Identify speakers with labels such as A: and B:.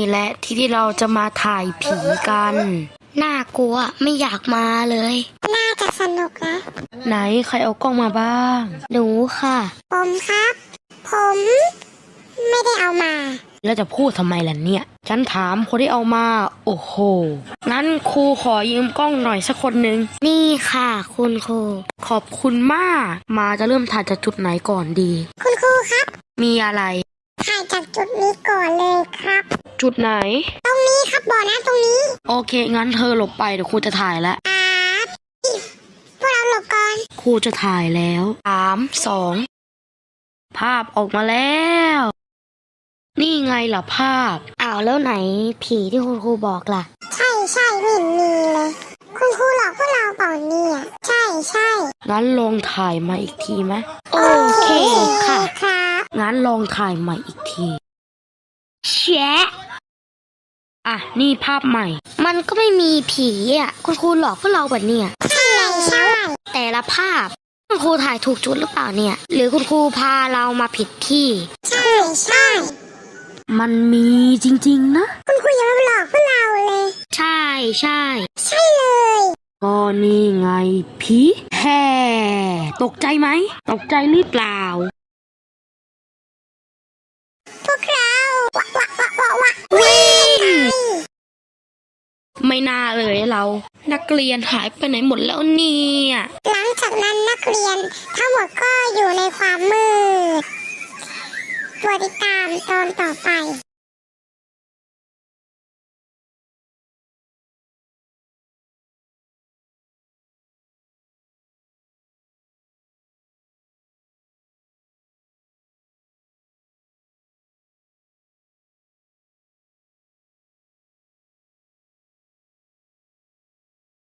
A: แหละที่เราจะมาถ่ายผีกันน่ากลัวไม่อยากมาเลย
B: น่าจะสนุกนะ
A: ไหนใครเอากล้องมาบ้างหนูค่ะ
B: ผมครับ ผมไม่ได้เอามา
A: แล้วจะพูดทำไมล่ะเนี่ยฉันถามคนที่เอามาโอ้โหงั้นครูขอยืมกล้องหน่อยสักคนหนึ่งนี่ค่ะคุณครูขอบคุณมากมาจะเริ่มถ่ายจากจุดไหนก่อนดี
B: คุณครูครับ
A: มีอะไร
B: ถ่ายจากจุดนี้ก่อนเลยครับ
A: จุดไหน
B: ตรงนี้ครับบ่อน้ำตรงนี้
A: โอเคงั้นเธอหลบไปเดี๋ยวครูจะถ่ายแล้ว
B: พวกเราหลบก่อน
A: ครูจะถ่ายแล้ว3 2ภาพออกมาแล้วนี่ไงล่ะภาพอ้าวแล้วไหนผีที่คุณครูบอกล่ะ
B: ใช่ไม่เห็นมีเลยคุณครูหลอกพวกเราเปล่าเนี่ยใช่
A: งั้นลองถ่ายมาอีกทีไหมโอเคค่ะงั้นลองถ่ายใหม่อีกทีแชะอ่ะนี่ภาพใหม่มันก็ไม่มีผีอ่ะคุณครูหลอกพวกเราแบบเนี้ย
B: ใช่
A: แต่ละภาพคุณครูถ่ายถูกจุดหรือเปล่าเนี่ยหรือคุณครูพาเรามาผิดที่
B: ใช่
A: มันมีจริงๆนะ
B: คุณครูอย่ามาหลอกพวกเราเลย
A: ใช่
B: เลย
A: ก็นี่ไงผีแห่ตกใจไหมตกใจหรือเปล่า
B: พวกเรา
A: วิ่งไม่น่าเลยเรานักเรียนหายไปไหนหมดแล้วเนี่ย
B: หลังจากนั้นนักเรียนทั้งหมดก็อยู่ในความมืดโปรดติดตามตอนต่อไป